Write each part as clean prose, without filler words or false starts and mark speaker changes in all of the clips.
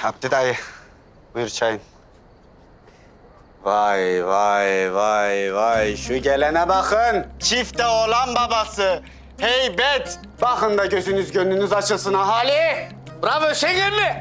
Speaker 1: Abdi dayı, buyur çayın. Vay vay vay vay, şu gelene bakın. Çifte oğlan babası. Heybet. Bakın da gözünüz gönlünüz açılsın ahali.
Speaker 2: Bravo Hüseyin mi?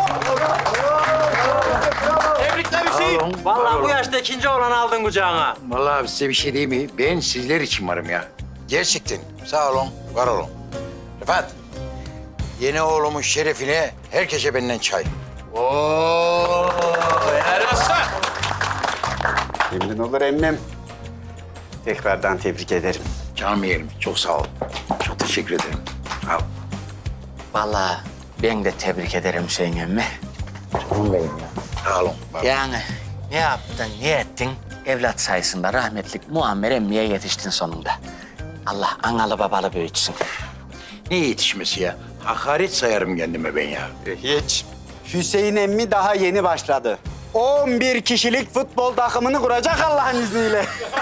Speaker 2: Tebrikler Hüseyin. Vallahi bu yaşta ikinci oğlanı aldın kucağına.
Speaker 3: Vallahi abi size bir şey diyeyim mi? Ben sizler için varım ya. Gerçekten. Sağ olun, var olun. Rıfat, yeni oğlumun şerefine herkese benden çay.
Speaker 2: Oo, helal olsun.
Speaker 1: Memnun olur emmim. Tekrardan tebrik ederim.
Speaker 3: Canım yeğenim, çok sağ ol. Çok teşekkür ederim. Sağ ol.
Speaker 2: Vallahi ben de tebrik ederim Hüseyin emmi.
Speaker 3: Canım benim ya. Sağ olun. var olun.
Speaker 2: Yani ne yaptın, ne ettin? Evlat sayesinde rahmetlik Muammer emmiye yetiştin sonunda. Allah analı babalı büyütsün.
Speaker 3: Ne yetişmesi ya? Hakaret sayarım kendime ben ya.
Speaker 1: Hiç. Hüseyin emmi daha yeni başladı. 11 kişilik futbol takımını kuracak Allah'ın izniyle.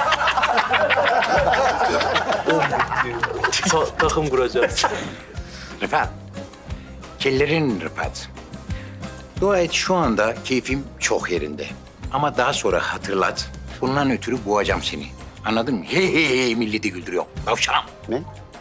Speaker 2: Takım kuracağız.
Speaker 3: Rıfat, kellerin Rıfat. Dua et şu anda keyfim çok yerinde. Ama daha sonra hatırlat. Bundan ötürü boğacağım seni. Anladın mı? Hey hey hey milleti güldürüyor. Tavşanım.
Speaker 1: Ne?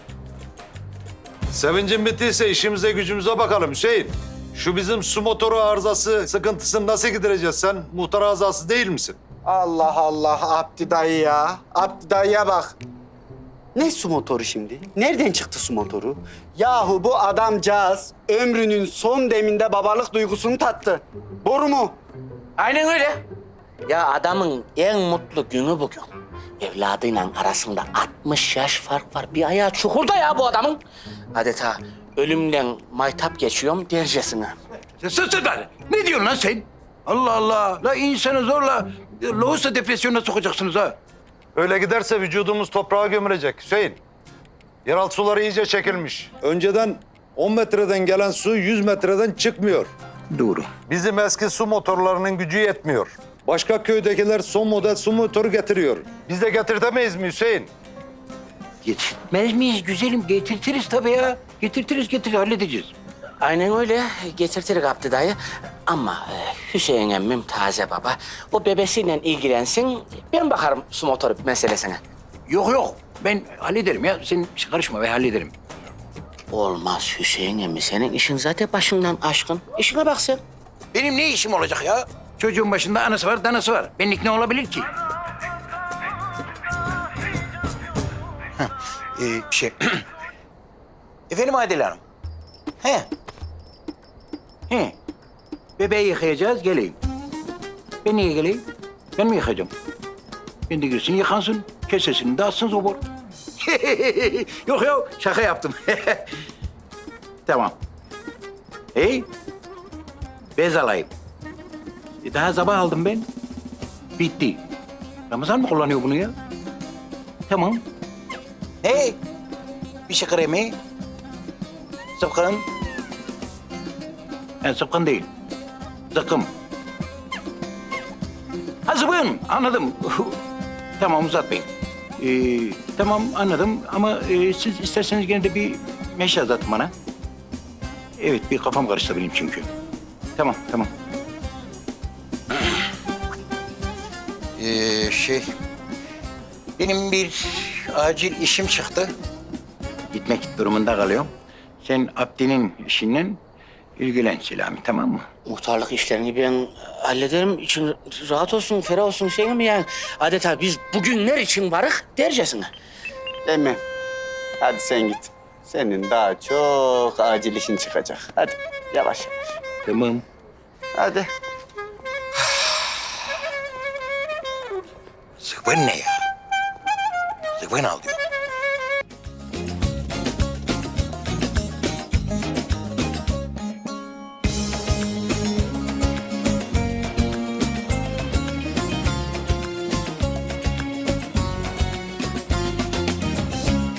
Speaker 4: Sevincin bittiyse işimize gücümüze bakalım Hüseyin. Şu bizim su motoru arızası sıkıntısını nasıl gidereceğiz? Sen muhtar azası değil misin?
Speaker 1: Allah Allah Abdi dayı ya. Abdi dayıya bak. Ne su motoru şimdi? Nereden çıktı su motoru? Yahu bu adamcağız ömrünün son deminde babalık duygusunu tattı. Boru mu?
Speaker 2: Aynen öyle. Ya adamın en mutlu günü bugün. Evladıyla arasında 60 yaş fark var. Bir ayağı çukurda ya bu adamın. Adeta ölümle maytap geçiyorum dercesine.
Speaker 3: Sus lan. Ne diyorsun lan sen? Allah Allah. La insanı zorla lohusa depresyonuna sokacaksınız ha.
Speaker 4: Öyle giderse vücudumuz toprağa gömülecek Hüseyin. Yeraltı suları iyice çekilmiş. Önceden 10 metreden gelen su 100 metreden çıkmıyor.
Speaker 3: Doğru.
Speaker 4: Bizim eski su motorlarının gücü yetmiyor. Başka köydekiler son model su motoru getiriyor. Biz de getirtemeyiz mi Hüseyin?
Speaker 3: Getirtmez miyiz güzelim? Getirtiriz tabii ya. Getirtiriz halledeceğiz.
Speaker 2: Aynen öyle getirtirik Abdi dayı. Ama Hüseyin emmim taze baba. O bebesiyle ilgilensin. Ben bakarım su motoru meselesine.
Speaker 3: Yok. Ben hallederim ya. Sen karışma ben hallederim.
Speaker 2: Olmaz Hüseyin emmi. Senin işin zaten başından aşkın. İşine bak sen.
Speaker 3: Benim ne işim olacak ya? Çocuğun başında anası var, danası var. Benlik ne olabilir ki? Heh, Efendim Adile Hanım. He. Bebeği yıkayacağız, geleyim. Ben niye geleyim? Ben mi yıkayacağım? Ben de girsin, yıkansın. Kesesini dağıtsın zobor. Yok, şaka yaptım. Tamam. Hey, bez alayım. Daha sabah aldım ben. Bitti. Ramazan mı kullanıyor bunu ya? Tamam. Hey, bir şey kremi. Sıpkın. Sıpkın değil. Zıkkım. Ha zıbın, anladım. Tamam uzatmayın. Tamam anladım ama siz isterseniz gene de bir meşe uzatın bana. Evet, bir kafam karıştı benim çünkü. Tamam. Benim bir acil işim çıktı. Gitmek durumunda kalıyorum. Sen Abdi'nin işinden ilgilen Selami, tamam mı?
Speaker 2: Muhtarlık işlerini ben hallederim. İçin rahat olsun, ferah olsun Hüseyin emmi yani. Adeta biz bugünler için varık dercesine.
Speaker 1: Emmi, hadi sen git. Senin daha çok acil işin çıkacak. Hadi yavaş.
Speaker 3: Tamam.
Speaker 1: Hadi.
Speaker 3: Zıvın ne ya? Zıvın al diyor.